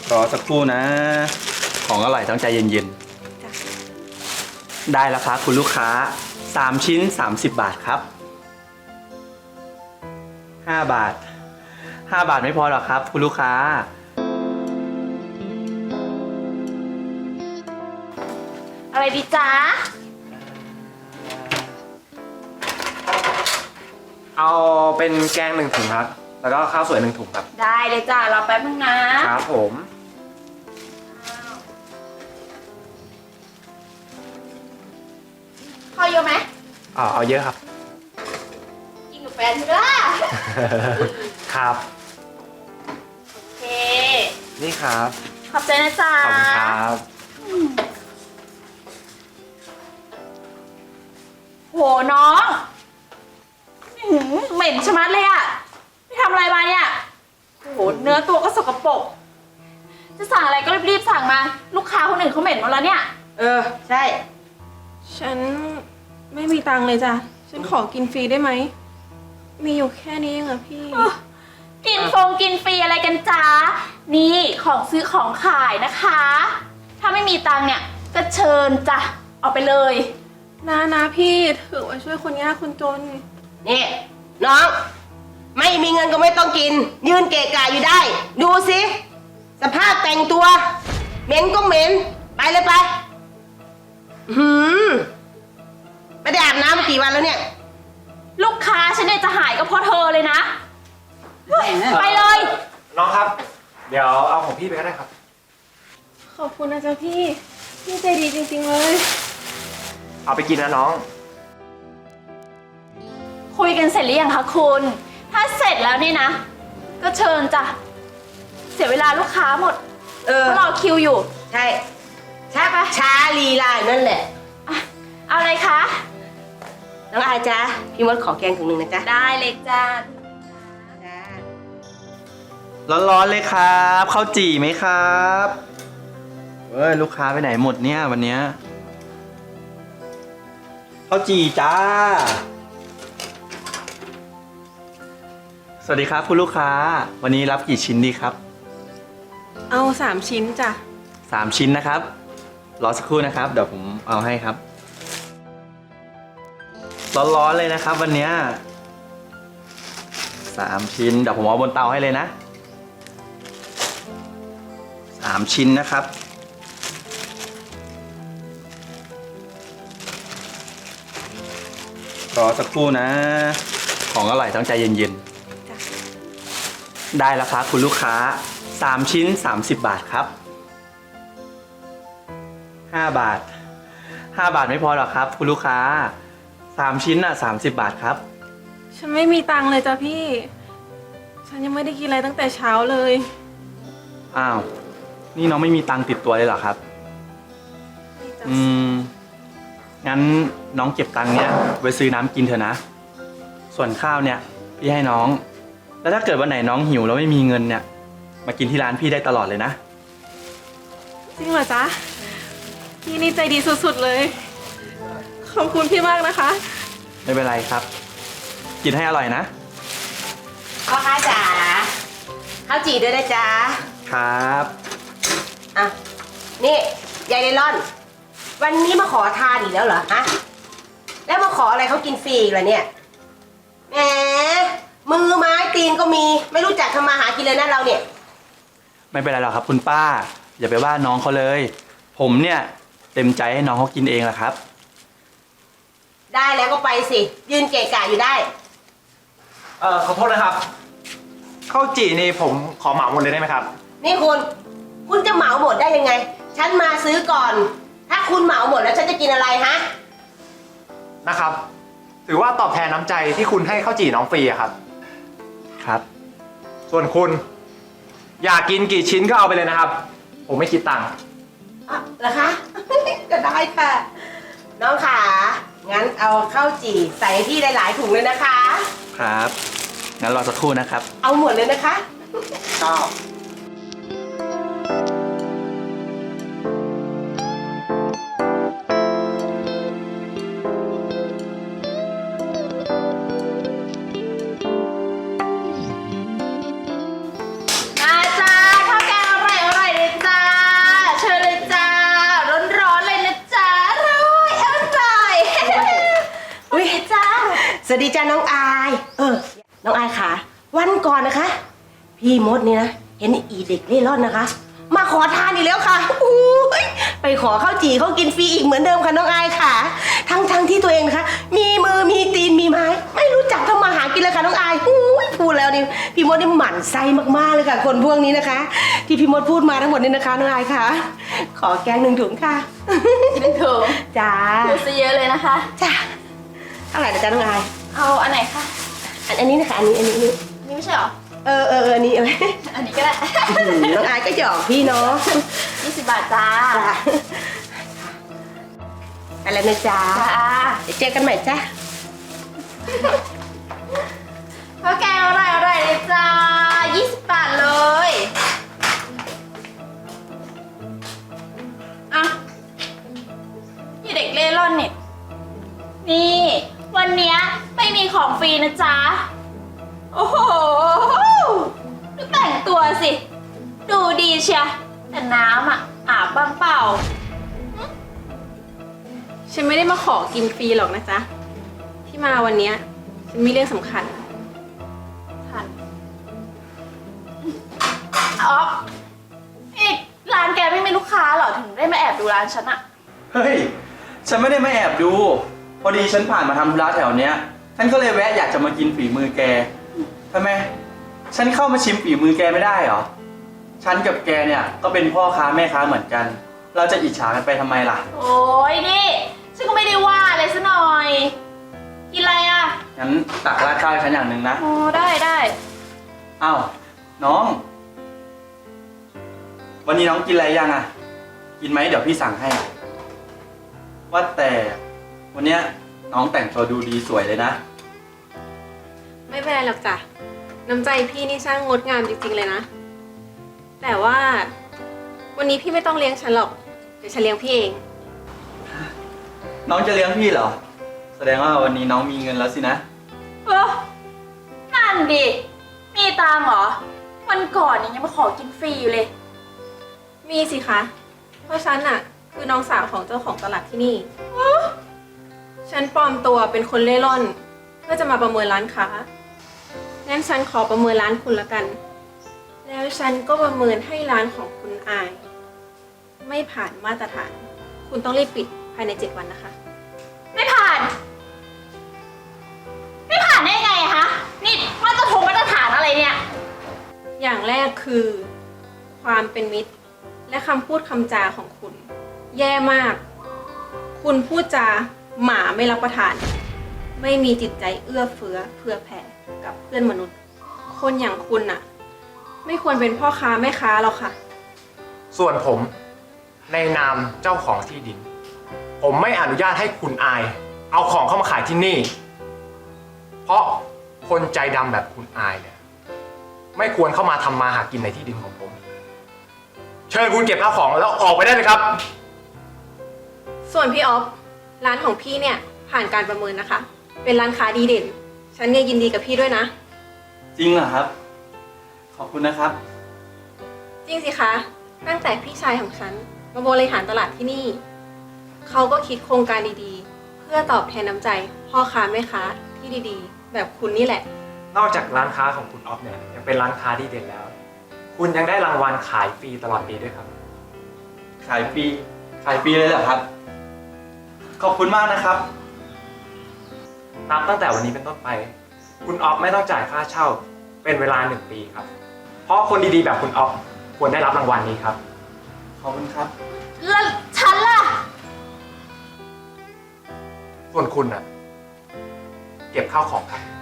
รอสักครู่นะ ของอร่อยต้องใจเย็นๆได้แล้วครับคุณลูกค้า3ชิ้น30 บาทครับ5 บาท5 บาทไม่พอหรอกครับคุณลูกค้าอะไรดีจ๊ะเอาเป็นแกง1 ถุงครับแล้วก็ข้าวสวย1 ถุงครับได้เลยจ้ะรอแป๊บนึงนะครับผมข้าวเยอะไหมเอาเยอะครับกินกับแฟนเถอะครับโอเคนี่ครับขอบใจนะจ๊ะขอบคุณครับโหน้องเหม็นชะมัดเลยอะไม่ทำอะไรมาเนี่ยโหเนื้อตัวก็สกปรกจะสั่งอะไรก็รีบๆสั่งมาลูกค้าคนอื่นเขาเหม็นหมดแล้วเนี่ยใช่ฉันไม่มีตังค์เลยจ้ะฉันขอกินฟรีได้ไหมมีอยู่แค่นี้เองอะพี่กินฟรีอะไรกันจ้านี่ของซื้อของขายนะคะ ถ้าไม่มีตังค์เนี่ยก็เชิญจ้ะเอาไปเลยนะพี่ถือว่าช่วยคนยากคนจนนี่น้องไม่มีเงินก็ไม่ต้องกินยืนเกะกะอยู่ได้ดูสิสภาพแต่งตัวเหม็นก็เหม็นไปเลยไปไม่ได้อาบน้ำมากี่วันแล้วเนี่ยลูกค้าฉันเนี่ยจะหายก็เพราะเธอเลยนะไปเลยน้องครับเดี๋ยวเอาของพี่ไปก็ได้ครับขอบคุณนะจ๊ะพี่ใจดีจริงๆเลยเอาไปกินนะน้องคุยกันเสร็จหรือยังคะคุณถ้าเสร็จแล้วนี่นะก็เชิญจ้ะเสียเวลาลูกค้าหมดรอคิวอยู่ใช่ช้าลีลานั่นแหละเอาอะไรคะน้องอาจ้าพี่มดขอแกงถุงหนึ่งนะจ๊ะได้เลยจ้าร้อนๆเลยครับข้าวจี่ไหมครับลูกค้าไปไหนหมดเนี่ยวันเนี้ยข้าวจี่จ้าสวัสดีครับคุณลูกค้าวันนี้รับกี่ชิ้นดีครับเอา3 ชิ้นจ้ะ 3 ชิ้นนะครับรอสักครู่นะครับเดี๋ยวผมเอาให้ครับร้อนๆเลยนะครับวันนี้3 ชิ้นเดี๋ยวผมเอาบนเตาให้เลยนะ3 ชิ้นนะครับรอสักครู่นะของอร่อยต้องใจเย็นๆได้แล้วครับคุณลูกค้า3 ชิ้น30 บาทครับ5 บาท5 บาทไม่พอหรอกครับคุณลูกค้า3 ชิ้น30 บาทครับฉันไม่มีตังค์เลยจ้ะพี่ฉันยังไม่ได้กินอะไรตั้งแต่เช้าเลยอ้าวนี่น้องไม่มีตังค์ติดตัวเลยเหรอครับงั้นน้องเก็บตังค์เนี้ยไว้ซื้อน้ำกินเถอะนะส่วนข้าวเนี่ยพี่ให้น้องแล้วถ้าเกิดวันไหนน้องหิวแล้วไม่มีเงินเนี่ยมากินที่ร้านพี่ได้ตลอดเลยนะจริงเหรอจ๊ะพี่นี่ใจดีสุดๆเลยขอบคุณพี่มากนะคะไม่เป็นไรครับกินให้อร่อยนะพ่อค้าจ๋าข้าวจี่ด้วยนะจ๊ะครับนี่ยายไนลอนวันนี้มาขอทานอีกแล้วเหรอฮะแล้วมาขออะไรเขากินฟรีอีกเหรอเนี่ยแหมมือไม้ตีนก็มีไม่รู้จักทำมาหากินเลยนะเราเนี่ยไม่เป็นไรหรอกครับคุณป้าอย่าไปว่าน้องเขาเลยผมเนี่ยเต็มใจให้น้องเขากินเองแหละครับได้แล้วก็ไปสิยืนเกะกะอยู่ได้ขอโทษนะครับข้าวจี่นี่ผมขอเหมาหมดเลยได้ไหมครับนี่คุณจะเหมาหมดได้ยังไงฉันมาซื้อก่อนถ้าคุณเหมาหมดแล้วฉันจะกินอะไรฮะนะครับถือว่าตอบแทนน้ำใจที่คุณให้ข้าวจี่น้องฟรีอะครับครับส่วนคุณอยากกินกี่ชิ้นก็เอาไปเลยนะครับผมไม่คิดตังค์เหรอคะ ก็ได้ค่ะน้องขางั้นเอาข้าวจี่ใส่ที่หลายๆถุงเลยนะคะครับงั้นรอสักครู่นะครับเอาหมดเลยนะคะชอบมาจ้าข้าวแกงอร่อยสวัสดีจ้าน้องอาย น้องอายค่ะ วันก่อนนะคะ พี่มดนี่นะ เห็นอีเด็กเล่ร่อนนะคะ มาขอทานอีกแล้วค่ะอู้ยไปขอข้าวจี่เขากินฟรีอีกเหมือนเดิมค่ะน้องอายค่ะ ทั้งที่ตัวเองนะคะ มีมือมีตีนมีไม้ ไม่รู้จักทำมาหากินเลยค่ะน้องอายอู้ยพูดแล้วนี่พี่มดนี่หมั่นไส้มากๆเลยค่ะ คนพวกนี้นะคะ ที่พี่มดพูดมาทั้งหมดนี่นะคะน้องอายค่ะ ขอแกง1 ถุงค่ะ 1 ถุงจ้าดูซะเยอะเลยนะคะจ้าเท่าไหร่นะจ๊ะน้องอายเอาอันไหนคะอันนี้นะคะอันนี้อันนี้ไม่ใช่เหรออันนี้อันนี้ก็ได้น้องอายก็หยอกพี่เนาะ 20 บาทจ้าจ้าอะไรนะจ๊ะจ้าเดี๋ยวเจอกันใหม่จ้าข้าวแกงอร่อยเลยจ้า 20 บาทเลยอ่ะนี่เด็กเล่ร่อนเนี่ยนี่ วันเนี้ยไม่มีของฟรีนะจ๊ะ โอ้โห ดูแต่งตัวสิ ดูดีเชียแต่น้ำอ่ะ อาบบ้างเปล่าฉันไม่ได้มาขอกินฟรีหรอกนะจ๊ะ ที่มาวันเนี้ยฉันมีเรื่องสำคัญทันอ๋ออีกร้านแกไม่มีลูกค้าเหรอ ถึงได้มาแอบดูร้านฉันอะเฮ้ย ฉันไม่ได้มาแอบดู พอดีฉันผ่านมาทำธุระแถวเนี้ย ฉันก็เลยแวะอยากจะมากินฝีมือแกทำไม ฉันเข้ามาชิมฝีมือแกไม่ได้เหรอ ฉันกับแกเนี่ยก็เป็นพ่อค้าแม่ค้าเหมือนกัน เราจะอิจฉากันไปทำไมล่ะโอ้ยนี่ ฉันก็ไม่ได้ว่าอะไรซะหน่อย กินอะไรอะงั้นตักราดข้าวให้ฉันอย่างหนึ่งนะโอ้ได้อ้าว น้อง วันนี้น้องกินอะไรยังอ่ะ กินไหมเดี๋ยวพี่สั่งให้ ว่าแต่วันเนี้ยน้องแต่งตัวดูดีสวยเลยนะไม่เป็นไรหรอกจ้ะ น้ำใจพี่นี่ช่างงดงามจริงๆเลยนะ แต่ว่าวันนี้พี่ไม่ต้องเลี้ยงฉันหรอก เดี๋ยวฉันเลี้ยงพี่เองน้องจะเลี้ยงพี่เหรอ แสดงว่าวันนี้น้องมีเงินแล้วสินะเออนั่นดิ มีตังค์เหรอ วันก่อนเนี่ยยังมาขอกินฟรีอยู่เลยมีสิคะ เพราะฉันน่ะคือน้องสาวของเจ้าของตลาดที่นี่ ฉันปลอมตัวเป็นคนเล่ร่อน เพื่อจะมาประเมินร้านค้า งั้นฉันขอประเมินร้านคุณละกัน แล้วฉันก็ประเมินให้ร้านของคุณอาย ไม่ผ่านมาตรฐาน คุณต้องรีบปิดภายใน 7 วันนะคะไม่ผ่าน ไม่ผ่านได้ไงอะคะนี่มาตรฐานอะไรเนี่ยอย่างแรกคือ ความเป็นมิตร และคำพูดคำจาของคุณ แย่มาก คุณพูดจาหมาไม่รับประทาน ไม่มีจิตใจเอื้อเฟื้อเผื่อแผ่กับเพื่อนมนุษย์ คนอย่างคุณน่ะ ไม่ควรเป็นพ่อค้าแม่ค้าหรอกค่ะส่วนผมในนามเจ้าของที่ดิน ผมไม่อนุญาตให้คุณอาย เอาของเข้ามาขายที่นี่ เพราะคนใจดำแบบคุณอายเนี่ยไม่ควรเข้ามาทำมาหากินในที่ดินของผม เชิญคุณเก็บข้าวของแล้วออกไปได้เลยครับส่วนพี่ออฟร้านของพี่เนี่ยผ่านการประเมินนะคะ เป็นร้านค้าดีเด่น ฉันเนี่ยยินดีกับพี่ด้วยนะจริงเหรอครับ ขอบคุณนะครับจริงสิคะ ตั้งแต่พี่ชายของฉันมาบริหารตลาดที่นี่ เขาก็คิดโครงการดีๆ เพื่อตอบแทนน้ำใจพ่อค้าแม่ค้าที่ดีๆ แบบคุณนี่แหละนอกจากร้านค้าของคุณออฟเนี่ยยังเป็นร้านค้าดีเด่นแล้ว คุณยังได้รางวัลขายฟรีตลอดปีด้วยครับขายฟรี ขายฟรีเลยเหรอครับ ขอบคุณมากนะครับนับตั้งแต่วันนี้เป็นต้นไป คุณออฟไม่ต้องจ่ายค่าเช่าเป็นเวลา1 ปีครับ เพราะคนดีๆแบบคุณออฟควรได้รับรางวัลนี้ครับขอบคุณครับแล้วฉันล่ะส่วนคุณน่ะ เก็บข้าวของครับ